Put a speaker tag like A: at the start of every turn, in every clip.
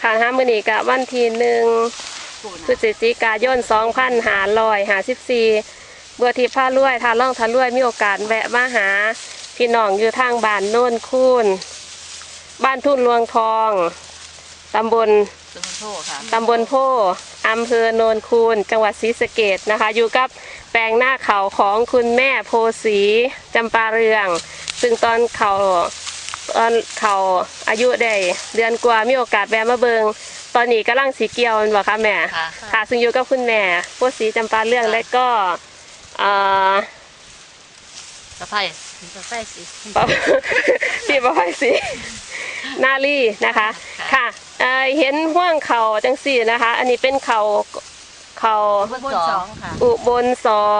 A: ค่ะมื้อนี้ก็วันที่1 พฤศจิกายน 2554บัวทิพย์พารวยทาล่องทารวยมีโอกาสแวะมาหาพี่น้องอยู่ทางบ้านโน่นคูนบ้านทุ่นลวงทองตำบลโพอำเภอโนนคูนจังหวัดศรีสะเกษนะคะอยู่กับแปลงหน้าเขาของคุณแม่โพสีจำปาเรืองซึ่งตอนเขาอายุได้เดือนกว่ามีโอกาสแวะมาเบิงตอนนี้กำลังสีเกียวมันบอกค่ะแม่ค่ะซึ่งอยู่กับคุณแม่โพสีจำปาเรืองและก็
B: สะไพร่สิ
A: พี่ประไพสินาลีนะคะค่ะเห็นห่วงเขาจังสี่นะคะอันนี้เป็นเขา
B: อุบล2ค่ะ
A: อุบล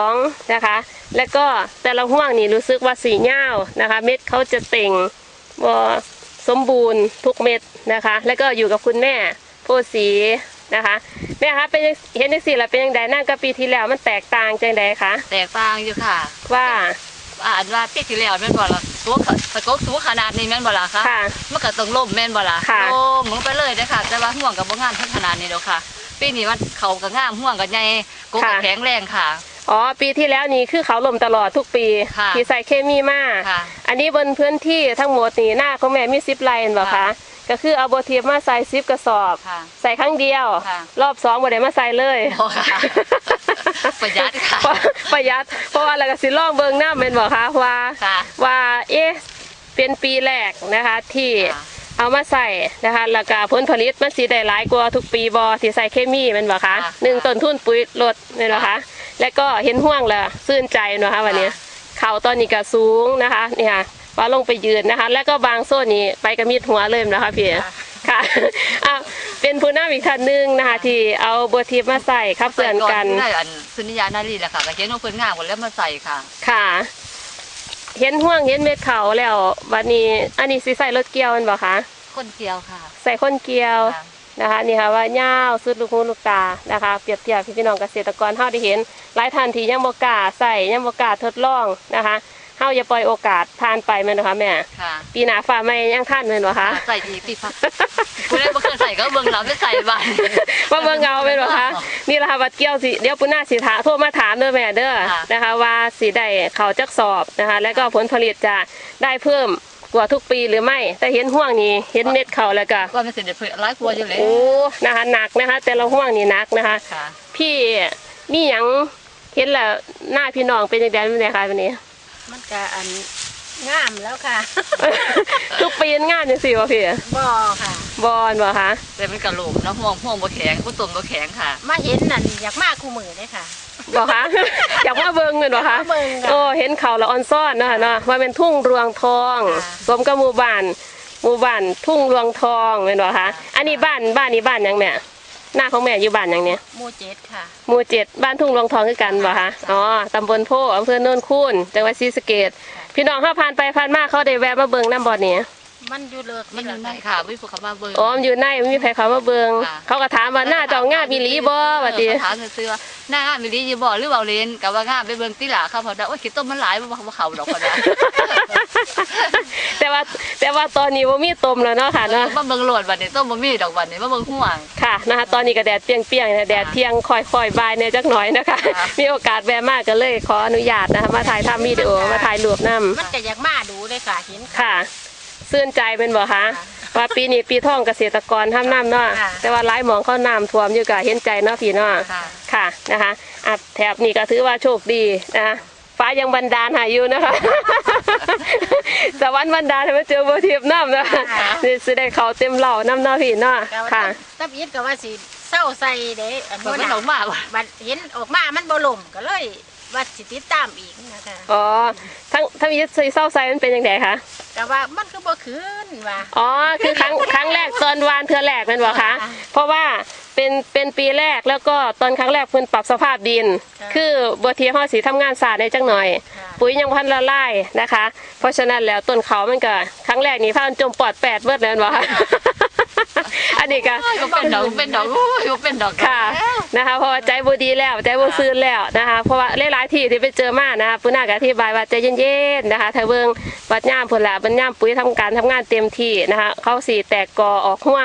A: 2นะคะแล้วก็แต่ละห่วงนี่รู้สึกว่าสีเง่านะคะเม็ดเขาจะเต่งสมบูรณ์ทุกเม็ดนะคะแล้วก็อยู่กับคุณแม่โพสีนะคะแม่คะเป็นเห็นได้สิละเป็นยังไงนั่งกับปีที่แล้วมันแตกต่างจังใดคะ
B: แตกต่างอยู่ค่ะ
A: ว่า
B: ปีที่แล้วแม่นบ่ล่ะตัวตะกกสูงขนาดนี้แม่นบ่ล่ะคะมันก็ต้องล่มแม่นบ่ล่ะล่มลงไปเลยเด้อค่ะแต่ว่าห่วงกับบ่งามขนาดนี้ดอกค่ะปีนี้มันเขาก็งามห่วงก็ใหญ่กกแข็งแรงค่ะ
A: อ๋อปีที่แล้วนี่คือเขาล่มตลอดทุกปีที่ใส่เคมีมากอันนี้บนพื้นที่ทั้งหมดนี่หน้าของแม่มี10 ไร่บ่คะก็คือเอาบัวทิพย์มาใส่10 กระสอบใส่ครั้งเดียวรอบ2บ่ได้มาใส่เลย
B: ประหยัดค่ะ
A: ประหยัดเพราะว่าเราก็สิลองเบิ่งน้ำเป็นบ่คะว่าเป็นปีแรกนะคะที่เอามาใส่นะคะแล้วก็ผลผลิตมันสิได้หลายกว่าทุกปีบ่ที่ใส่เคมีเป็นบ่คะ1 ต้นทุนปุ๋ยลดแม่นบ่คะแล้วก็เห็นห่วงแล้วชื่นใจนะคะวันนี้เขาตอนนี้ก็สูงนะคะนี่ค่ะว่าลงไปยืนนะคะแล้วก็บางโซนนี้ไปกระมิดหัวเลยนะคะพี่ค่ะเป็นผู้นำอีกท่านหนึ่งนะคะที่เอาบัวทิพย์มาใส่ครับเพื่อนกัน
B: ได้อันสุนิยานารีแหละค่ะก็เห็นว่าเพื่อนงามหมดแล้วมาใส่ค่ะ
A: ค่ะเห็นห่วงเห็นเม็ดเขาแล้ววันนี้อันนี้สิใส่รถเกี่ยวมันบ่คะ
B: คนเกี่ยวค่ะ
A: ใส่คนเกี่ยวนะคะนี่ค่ะว่าเงาสุดลูกหูลูกตานะคะเปรียบเทียบพี่น้องเกษตรกรเฮาได้เห็นหลายท่านที่ยังบ่กล้าใส่ยังบ่กล้าทดลองนะคะเฮาอย่าปล่อยโอกาสทานไปแม่นบ่คะแม่ปีหน้าฟ้าใหม่ยังทานแม่นบ่คะ
B: ใส่อีกปีผู้ใดบ่เคยใส่ก็เบิ่งเราไม่ใส่บ้าน
A: ว่าเบิ่งเงาแม่นบ่คะนี่ล่ะค่ะวัดเกี่ยวสิเดี๋ยวปุ้นหน้าสิถาโทรมาถามเด้อแม่เด้อนะคะว่าสิได้เข้าจักสอบนะคะแล้วก็ผลผลิตจะได้เพิ่มกว่าทุกปีหรือไม่แต่เห็นห่วงนี้เห็นเม็ดเขาแล้วก็
B: ว่ามันสิได้เพิ่มหลายกว่าอยู่แล้ว
A: โอ้นะคะหนักนะคะแต่ละห่วงนี่หนักนะคะพี่มีหยังเห็นแล้วหน้าพี่น้องเป็นจังได๋แม่คะวันนี้
C: มันก็งามแล้วค่ะ
A: ทุกปีงามจังซี่บ่พี่
C: บ่ค่ะ
A: บ่คะ
B: แต่มันกระโหลกแล้วห่วงบ่แข็งบ่ต้นบ่แข็งค่ะ
C: มาเห็นนั่นอยากมาคู่มือได้ค่ะ
A: บ่คะอยากมาเบิ่งแม่นบ่คะโอ้เห็นเขาละอ่อนซ้อนเนาะเนาะว่าเป็นทุ่งรวงทองสมกับหมู่บ้านทุ่งรวงทองแม่นบ่คะอันนี้บ้านนี้บ้านหยังแม่หน้าของแม่อยู่บ้านหยังเนี่ย
C: หมู่7ค่ะ
A: หมู่7บ้านทุ่งรวงทองคือกันบ่คะอ๋อตำบลโพอำเภอโนนคูนจังหวัดศรีสะเกษพี่น้องเฮาผ่านไปผ่านมาเขาได้แวะมาเบิ่งน้ำบ่อนี้
C: มันอยู่เลิก
B: มันอยู่ในค่ะมีผู้เข้ามาเบิ่ง
A: อ๋ออยู่ในมีไผเข้ามาเบิ่งเขาก็ถามว่าหน้าเจ้างามอีหลีบ่ว่าติ
B: ถามซื่อๆหน้างามอีหลีอยู่บ่หรือเว้าเล่นก็ว่างามไปเบิ่งติล่ะค่ะเพราะว่าโอ้ยขี้ต้มมันหลายบ่เข้าดอกพอดา
A: แต่ว่าตอนนี้บ่มีต้มแล้วเนาะค่ะเนาะ
B: มาเบิ่งโลดบัดนี้ต้มบ่มีดอกบัดนี้มาเบิ่งห่วง
A: ค่ะนะคะตอนนี้ก็แดดเปรี้ยงๆนะแดดเที่ยงค่อยๆบ่ายเนี่ยจักหน่อยนะคะมีโอกาสแวะมาก็เลยขออนุญาตนะคะมาถ่ายทำวิดีโอมาถ่ายรูปนำ
C: มันก็อยากมาดูเลยค่ะเห็น
A: ค่ะซื่นใจเป็นบ่คะว่าปีนี้ปีท่องเกษตรกรทำน้ำเนาะแต่ว่าหลายหมองเขาน้ำท่วมอยู่ก็เห็นใจเนาะพี่เนาะค่ะนะคะแถบนี้ก็ถือว่าโชคดีนะคะฟ้ายังบันดาลหาอยู่นะคะสวรรค์บันดาลให้มาเจอบัวทิพย์น้ำนะคะนี่สิได้เขาเต็มเหล่าน้ำเนาะพี่เนาะค่ะ
C: ตับยิดก็ว่าสิเศร้าใส่เด้
B: มันออกมา
C: บัดเห็นออกมามันบ่ล่มก็เลยว่าสิติดตามอีกนะคะ
A: อ๋อทั้งยิดเศร้าใส่มันเป็นยังไงคะ
C: แต่ว่ามันคือบ่ขึ้นว่า
A: อ๋อคือครั้งแรกตอนวานเทื่อแรกเป็นบ่คะเพราะว่าเป็นปีแรกแล้วก็ตอนครั้งแรกเพิ่นปรับสภาพดินคือบัวทิพย์เฮาสิทำงานศาสตร์ได้จังหน่อยปุ๋ยยังพันละลายนะคะเพราะฉะนั้นแล้วต้นเขามันก็ครั้งแรกนี่พาจมปอด8เบิดแล้วบ่คะอันนี้ก็
B: เป็นดอกเป็นดอก
A: ค่ะนะคะเพราะว่าใจบ่ดีแล้วใจบ่ซื่นแล้วนะคะเพราะว่าหลายๆที่ไปเจอมานะคะปุ้นน่าก็อธิบายว่าใจเย็นๆนะคะถ้าเบิ่งวัดย่ามพุ่นล่ะเพิ่นย่ามปุ๋ยทำการทำงานเต็มที่นะคะเขาสิแตกกอออกห่วง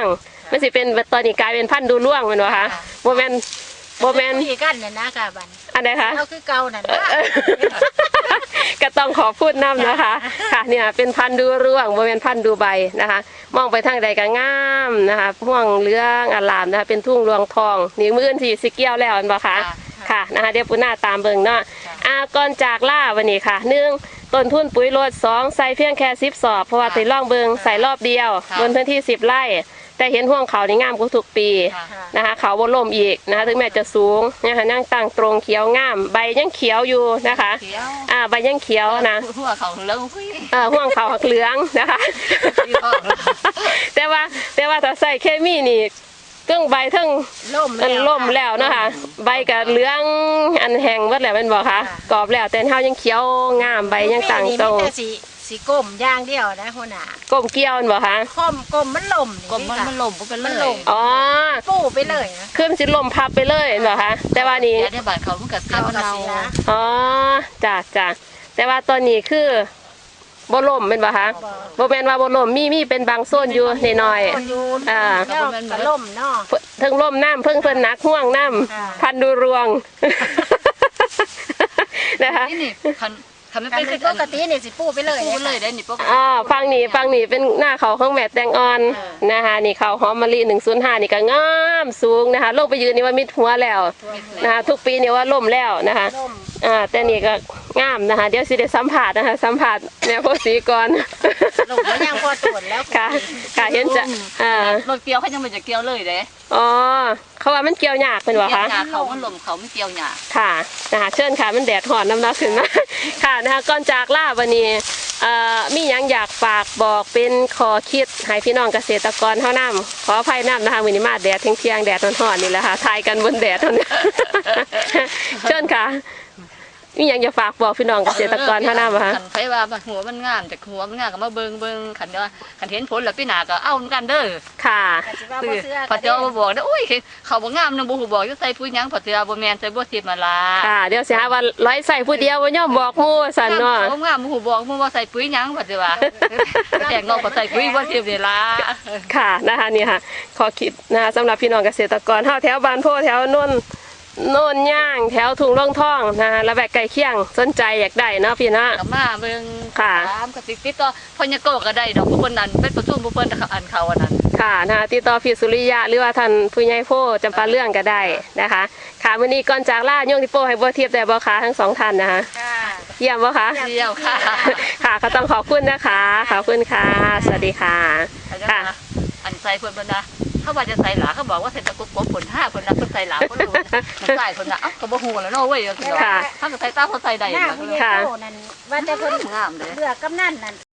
A: มันสิเป็นตอนนี้กลายเป็นพันธุ์ดูร่วงแมันวะคะโมเมน
C: คุยกันน่ะนะค่ะบัด
A: อันไหนคะ
C: เอาคือเก่านั่นนะ
A: ก็ต้องขอพูดน้ำนะคะค่ะเนี่ยเป็นพันธุ์ดูร่วงโมเมนพันธุ์ดูใบนะคะ มองไปทางใดก็งามนะคะม่วงเหลืองอลามนะคะเป็นทุ่งรวงทองนี่มื้อที่สิเกี่ยวแล้วอันบ่คะค่ะนะคะเดี๋ยวปุณหน้าตามเบิ่งเนาะก่อนจากล่าวันนี้ค่ะ1ต้นทุนปุ๋ยรด2ใส่เพียงแค่10 สอบเพราะว่าติล่องเบิ่งใส่รอบเดียวบนพื้นที่10 ไร่แต่เห็นห่วงเขานี่งามกว่าทุกปีนะคะเขาบนลมอีกนะคะถึงแม้จะสูงนะคะนั่งตั้งตรงเขียวงามใบยังเขียวอยู่นะคะใบยังเขียวนะ
B: หัวเขาเหลืองหุ้ย
A: ห่วงเขาเหลืองนะคะแต่ว่าถ้าใส่เคมีนี่เทั้งใบเทั้ง ล่มแล้วนะคะใบกับเหลืองอันแห้งหมดแล้วแม่นบ่คะกรอบแล้วแต่เฮายังเขียวงามใบยังตั้งตรง
C: สีก้มอย่างเดียวนะหัวหน้า
A: ก้มเกี่ยวบ่คะ
C: ก้มมันล่ม
B: กลมมันล่มเป็นเลย
A: อ๋อ
C: ปูไปเลยนะ
A: คือมันสิล่มพับไปเลยบ่คะแต่ว่านี่
B: ในบ้านเขามันก็เสียมันเนา
A: อ๋อจ้ะแต่ว่าตอนนี้คือบ่ล่มแม่นบ่คะบ่แม่นว่าบ่ล่มมีเป็นบางโซนอยู่น้อยๆ
C: ก็ล่มเนาะ
A: เพิ่งล่มน้ำเพิ่นนักห่วงน้ำพันดูรวงนะคะ
B: นี่คันไม่เป็น
C: ปกตินี่สิปูไปเลย
B: ปูเลยได้นี่ปกติ
A: ฟังนี่เป็นหน้าเขาของแม่แตงอ่อนนะคะนี่เขาหอมมะลิ105นี่ก็งามสูงนะคะลงไปยืนนี่ว่ามิดหัวแล้วนะคะทุกปีนี่ว่าล่มแล้วนะคะแต่นี่ก็งามนะคะเดี๋ยวสิได้สัมผัสนะคะสัมผัสแม่โพสีก่อน
C: ลงแล้วยังพอตรวจแล้ว
A: ค่ะเห็นจะ
B: รถเกี่ยวเขายังไม่จะเกี่ยวเลยเด้
A: อ๋อเขาว่ามันเกี่ยวยากเป็นวะคะ
B: เขามันลมเขาไม่เกี่ยวหยา
A: ค่ะนะคะเชิญค่ะมันแดดหอนน้ำหนักขึ้นมาค่ะนะคะก่อนจากล่าวันนี้มียังอยากฝากบอกเป็นขอคิดให้พี่น้องเกษตรกรเท่าน้ำขออภัยน้ำนะคะวันนี้มาแดดเที่ยงแดดหอนๆนี่แหละค่ะทายกันบนแดดเท่านี้เชิญค่ะมียังจะฝากบอกพี่น้องเกษตรกรเท่าน้ำคะ
B: ใครว่าหัวมันงามแต่หัวมันงามก็มาเบิ่งขันเดียวขันเห็นผลแล้วพี่นาก็เอาเหมือนกันเด้อ
A: ค่ะ
B: พอเจ้าบอกได้อุ้ยเขาบอกงามนึงบุหูบอกจะใส่ปุ๋ยยังพอเจ้าบ่แมนใส่บัวทิพย์มาละ
A: ค่ะเดี๋ยวสิฮะว่าร้อยใส่ผู้เดียวว่าย่อมบอกมู่สันเนาะ
B: เขางามบุหูบอกมู่ว่าใส่ปุ๋ยยังพอเจ้าว่าแต่งงอกก็ใส่ปุ๋ยบัวทิพย์นี่ละ
A: ค่ะนะคะนี่ค่ะขอคิดนะคะสำหรับพี่น้องเกษตรกรแถวบ้านโพแถวโน่นย่างแถวทุ่งร่องท่องนะคะและแบบไก่เคียงสนใจอยากได้เนาะพี่เนาะ
B: มาเบิ่งค่ะก็ติดต่อพญโกก็ได้ดอกผู้คนนั้นเป็นประชุมผู้เพิ่นอันเขาอันนั้น
A: ค่ะนะคะติดต่อพี่สุริยะหรือว่าท่านผู้ใหญ่โพจำปาเรื่องก็ได้นะคะค่ะมื้อนี้ก่อนจากล่าโยงที่โป้ให้บัวเทียบแต่บ่คะทั้งสองท่านนะคะเยี่ยมบ่คะ
B: เยี่ยมค่ะ
A: ค่ะก็ต้องขอบคุณนะคะขอบคุณค่ะสวัสดีค่ะ
B: ค่ะอันใส่เพิ่นบ่นะเขาว่าจะใส่หลาเขาบอกว่าใส่ตะกุกผล5คนนะเพิ่นใส่หลาคนรู้มันใส่คนนะก็บ่ฮู้แล้วเนาะเว้ยคือว่าถ้าก็ใส่ตาเขาใส่ได้
C: ค่ะว่าแต่เพิ่นงามเด้อเลือกกำนันนั่น